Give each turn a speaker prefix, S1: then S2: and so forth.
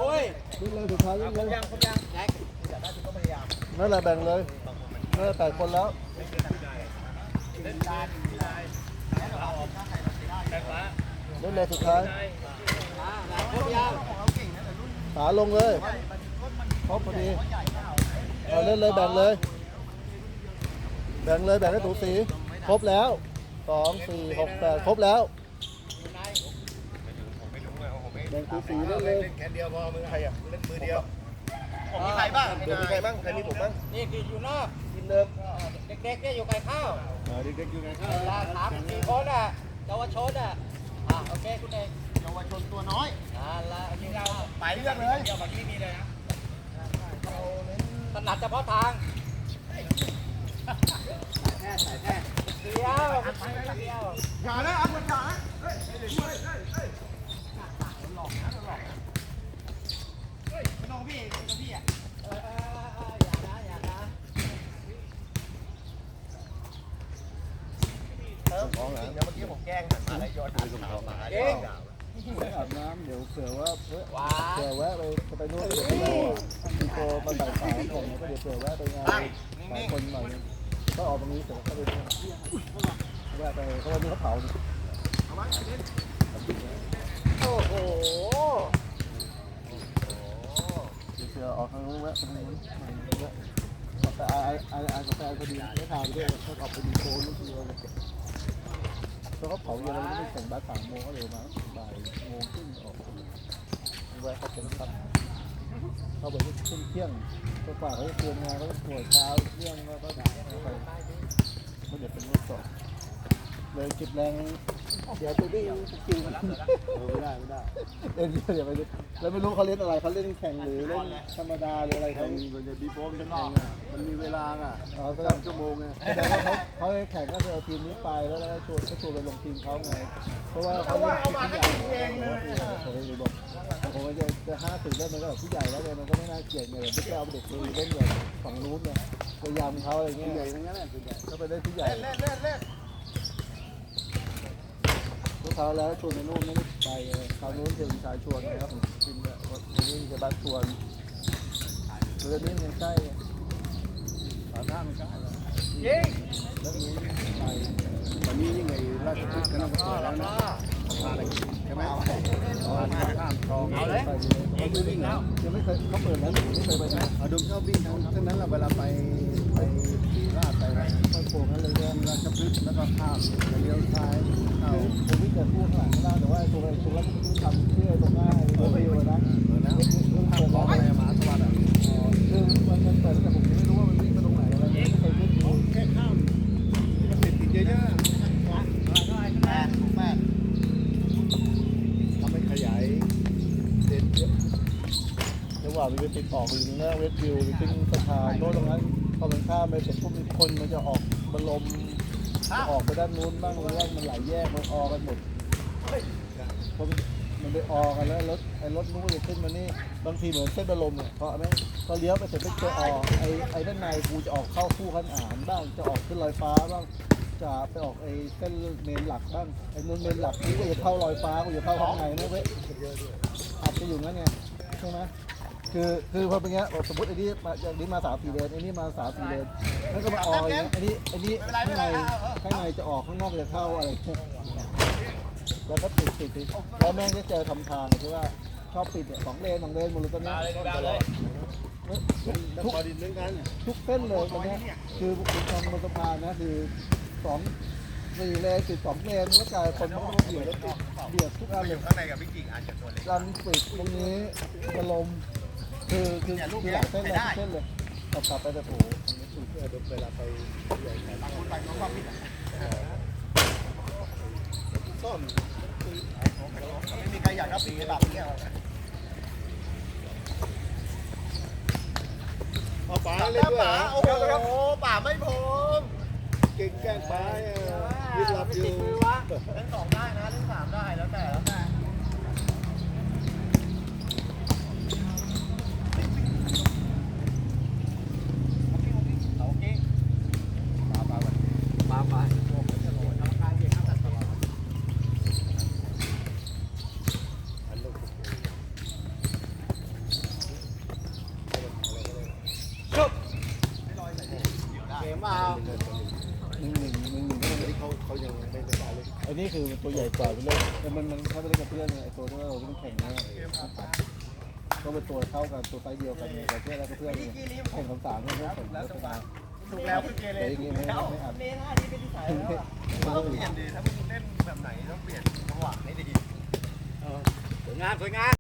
S1: วิ่งเลยสุดท้ายวิ่งเลย
S2: ยังครบยังแจ็คอยากได้คุณก็พยายาม
S1: นั่นแหละแบ่งเลยนั่นแหละ8 คนแล้วเล่นเลยสุดท้ายขาลงเลยครบพอดีเล่นเลยแบ่งเลยแบ่งให้ถูสีครบแล้ว2 4 6 8ครบแล้วแบ่งถูสีเล่นเลย
S3: แค่เดียวพอมือใครอ่ะเล่นมือเดียวผมมีใครบ้างมีใครบ้างใครมีผมบ้าง
S2: นี่คืออยู่นอก
S3: กินเดิม
S2: เด็กๆเนี่ยอยู่ไก่ข้าว
S1: เด็กๆอยู่ไงครับ
S2: เวลา3-4 คนอ่ะเยาวชนอ่ะโอเคคุณเองเยาวชนตัวน้อยละอันนี้เราไปเรื่องเลยเดี๋ยวแบบนี้มีเลยนะถนัดเฉพาะทางใส่แท้เดียวอย่านะอันอย่านะน้องพี่อ่ะอย่านะ
S3: ของเหรอเดี๋ยวเมื่อกี้ผมแกล้งหันมาแล้วย้อนดูตรงเขามาเอง
S1: อาบน้ำเดี๋ยวเผื่อว่าแวะไปนู่นเดี๋ยวไปรอมีโตมาบ่าย3ผมก็เดี๋ยวเผื่อแวะไปงานหลายคนหน่อยก็ออกตรงนี้เสร็จก็ไปแวะไปเพราะวันนี้เขาเผา
S2: โอ้โห
S1: เผื่อออกทางนู้นแวะไปทางนู้นแต่กาแฟพอดีไม่ทานด้วยเขาออกไปดีโซนนู่นที่เราแล้วเขาเผาเย็นแล้วไม่ได้แข่งบ้าน3 โมงก็เร็วมาบ่าย1 โมงครึ่งออกแวะเขาเป็นครับเขาบอกว่าเที่ยงตัวฝ่าเขาจะเตรียมงานเขาจะตรวจเช้าเที่ยงแล้วก็ด่าไปไม่เดี๋ยวเป็นรถสดเลยจิบแรงเดี๋ยวตัวนี้คิวไม่ได้เล่นเดี๋ยวไปดูแล้วไม่รู้เขาเล่นอะไรเขาเล่นแข่งหรือเล่นธรรมดาหรืออะไรเขามันจะบีโฟมจะนอกมันมีเวลาอ่ะ3 ชั่วโมงไงแต่ว่าเขาแข่งก็คือเอาทีมนี้ไปแล้วก็ชวนไปลงทีมเขาไงเพราะว่าเขาเล่นทีมใหญ่ผมเลยบอกผมจะ50ได้มันก็แบบผู้ใหญ่แล้วเลยมันก็ไม่น่าเกลียดเลยไม่ใช่เอาเด็กไปเล่นแบบฝั่งนู้นเนี่ยพยายามเขาอะไรเงี้ยใหญ่ทั้งนั้นแหละก็ไปได้ผู้ใหญ่ลูกค้าแล้วชวนไปนู่นไม่ได้ไปคราวนู้นเจอชายชวนนะครับผมกินเนี่ยวันนี้จะบ้านชวนเรื่องนี้มันใกล้หาทางมันใกล้แล้วนี้ไปวันนี้ยังไงราชพฤกษ์ก็ต้องเปิดแล้วนะใช่ไหมข้ามคลองเอาเลยเขาไม่วิ่งแล้วยังไม่เคยเขาเปิดแล้วไม่เคยไปนะดมชอบวิ่งทั้งนั้นแหละเวลาไปสีราชไปอะไรไปโผล่กันเลยเรื่องราชพฤกษ์แล้วก็ข้ามเลี้ยวซ้ายเข้าผมวิ่งแต่พูดข้างหลังแต่ว่าตัวแล้วผมทำเชื่อตรงหน้าตัวเดียวนะเปิดแล้วอะไรมาสวัสดิ์คือมันเปิดแต่ผมไม่รู้ว่ามันวิ่งไปตรงไหนอะไรไม่เคยวิ่งดูแค่ข้ามมันติดเยอะๆแม่ทำให้ขยายเด่นเยอะระหว่างไปติดออกอยู่หน้าเวสต์วิวหรือติ้งสะพานโน้ตตรงนั้นพอมันข้ามไปเสร็จพวกมีคนมันจะออกบอลลมออกไปด้านนู้นบ้างหรือว่ามันหลายแยกมันออกันหมดพอมันไปออกันแล้วรถนู้นจะขึ้นมานี่บางทีเหมือนเส้นบอลลมเนี่ยเพราะไหมพอเลี้ยวไปเสร็จไปออกไอ้ด้านในกูจะออกเข้าคู่ขันอ่านบ้างจะออกขึ้นลอยฟ้าบ้างจะไปออกไอ้เส้นเมนหลักบ้างไอ้นู้นเมนหลักนี่ก็จะเข้าลอยฟ้ากูจะเข้าข้างในนะเว้ยอาจจะอยู่งั้นไงใช่ไหมคือพอเป็นเงี้ยสมมติไอ้นี่มาจากนี้มา3-4 เลนไอ้นี่มา3-4 เลนแล้วก็มาออกอย่างเงี้ยไอ้นี่ข้างในจะออกข้างนอกจะเข้าอะไรแล้วก็ติดแล้วแม่งจะเจอทำทางคือว่าชอบปิดเนี่ย2 เลนหมดเลยตอนนี้ทุกเส้นเลยตอนนี้คือคุณทำบนสะพานนะคือ4 เลนติด2 เลนแล้วกลายคนมันก็เบียดทุกอันเลย
S3: ข้างในกับพี่กิ่งอาจจะตัวเล็ก
S1: รันปิดตรงนี้กระลมคือหลายเส้นเลยกลับไปแต่โผล่เวลาไปใหญ่บางคนไปน้องความผิด
S3: ส้มไม่มีใครอยากรับปีแบบนี้เอาป่าเลยด้วยโอ้โหป่าไม่พมเก่งแกล้งป่ายึดหลับอยู่เล่น2 ได้นะเล่น3 ได้แล้วแต่เปล่า
S1: 1-1ที่เขายังไม่ได้เลยไอ้นี่คือตัวใหญ่กว่าไปเลยแต่มันถ้าไปเล่นกับเพื่อนไอ้ตัวที่เราเล่นแข่งเนี่ยก็เป็นตัวเท่ากันตัวไซส์เดียวกันเนี่ยแต่เพื่อนแล้วก็เพื่อนเนี่ยแข่ง3เนี่ยเพื่อนแล้วเป็นมา
S3: ถูกแล้วคือเกเร
S1: แต่อย่างงี้ไม่อัด
S2: เล่นท่านี้เป็นที่สายแล้วอ่ะ
S3: ต้องเปลี่ยนดีถ้ามึงเล่นแบบไหนต้องเปลี่ยนจังหวะให้ดี
S2: สวยงาม